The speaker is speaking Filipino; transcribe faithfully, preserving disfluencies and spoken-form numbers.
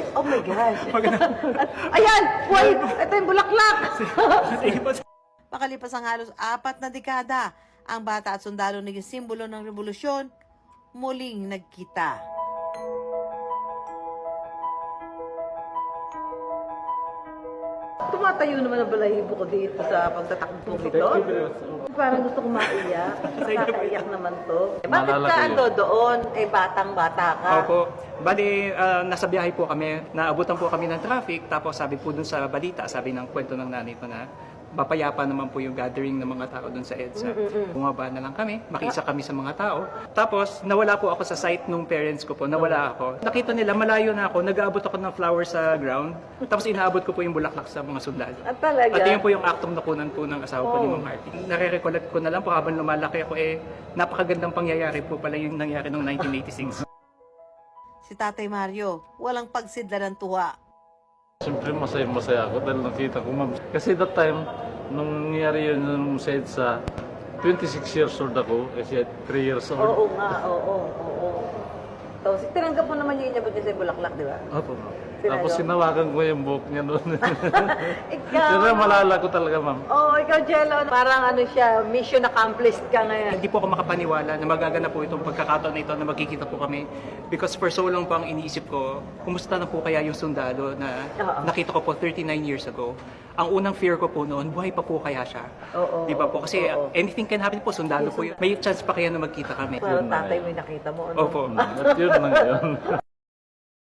Oh my gosh. Ayan! Wait! Ito yung bulaklak! Makalipas ang halos apat na dekada, ang bata at sundalo naging simbolo ng revolusyon, muling nagkita. Tumatayo naman ang balahibo ko dito sa pagtatakbo nito. Parang gusto kong maiyak. Nakakaiyak naman to. Bakit ka ando doon? Eh, batang-bata ka. Opo. Bali, ah, nasa biyahe po kami. Naabutan po kami ng traffic. Tapos sabi po dun sa balita, sabi ng kwento ng nanay ko na mapayapa naman po yung gathering ng mga tao dun sa EDSA. Bumaba na lang kami, makisa kami sa mga tao. Tapos, nawala po ako sa site nung parents ko po, nawala ako. Nakita nila, malayo na ako, nag-aabot ako ng flowers sa ground. Tapos, inaabot ko po yung bulaklak sa mga sundalo. At talaga? At yun po yung aktong nakunan po ng asawa ko ni Ma'am Harty. Nare-recollect ko na lang po habang lumalaki ako, eh, napakagandang pangyayari po pala yung nangyari noong nineteen eighty-six. Si Tatay Mario, walang pagsidla ng tuwa. Siyempre masaya-masaya ako dahil nakita ko, ma'am. Kasi that time, nung nangyari yun nung sa EDSA, twenty-six years old ako, kasi three years old. Oo nga, oo, oo. Tapos, tinanggap mo naman yung inabot niya sa bulaklak, di ba? Opo, ma'am. Sinabi Tapos mo? sinawakan ko yung buhok niya noon. Ikaw, Pero malala ko talaga, ma'am. Oo, ikaw, Jello, parang ano siya, mission accomplished ka ngayon. Hindi po ako makapaniwala na magaganap po itong pagkakataon na ito na magkikita po kami. Because for so long po ang iniisip ko, kumusta na po kaya yung sundalo na Oo. nakita ko po thirty-nine years ago. Ang unang fear ko po noon, buhay pa po kaya siya. Oo, Di ba po? Kasi oo. anything can happen po, sundalo po yun. May chance pa kaya na magkita kami. Parang tatay mo yung nakita mo, ano? Opo. At yun lang yun.